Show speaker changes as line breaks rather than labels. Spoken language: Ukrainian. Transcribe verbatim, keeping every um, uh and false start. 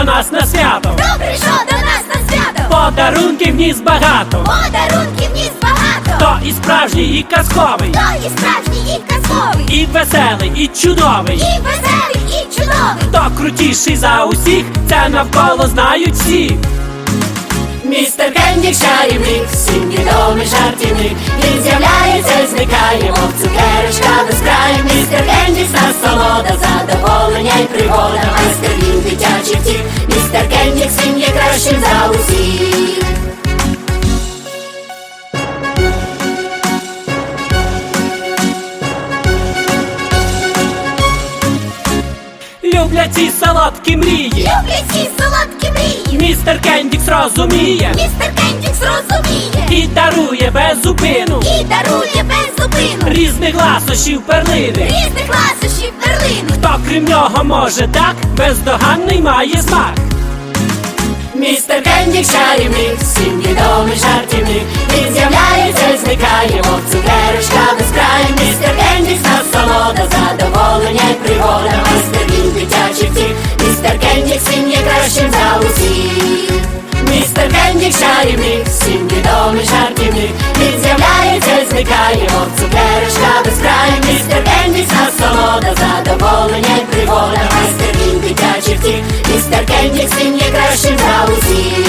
нас на свято.
Хто прийшов до нас на свято?
Подарунків вніс багато.
Подарунків ніс багато.
Хто і справжній, і казковий,
Хто і справжній, і казковий,
і веселий, і чудовий.
і веселий, і чудовий.
Хто крутіший за усіх, це навколо знають всі. Містер Кендік чарівник, всім відомий жартівник. Він з'являється і зникає, мов цукерочка без краю. Містер Кендік насолода, задоволення й пригода. Майстер він дитячий втіх, містер Кендік всім є кращим за усіх. Люблять ці солодкі мрії,
Люблять ці солодкі мрії.
містер Кендік зрозуміє
Містер Кендік зрозуміє
і дарує без зупину
і дарує без зупину
різних ласощів перлини.
різних ласощів перлини.
Хто крім нього може так, бездоганний має смак. Містер Кендік чарівник, всім відомий жартівник. Він з'являється і зникає, мов цукерочка без краю. Містер Кендік насолода, задоволення й пригода. Майстер він дитячий втіх, містер Кендік всім є кращим за усіх. Містер Кендік чарівник, всім відомий жартівник. Він з'являється і зникає, мов цукерочка без краю. Містер Кендік насолода, задоволення й пригода. Майстер він дитячий втіх, містер Кендік всім є кращим за усіх.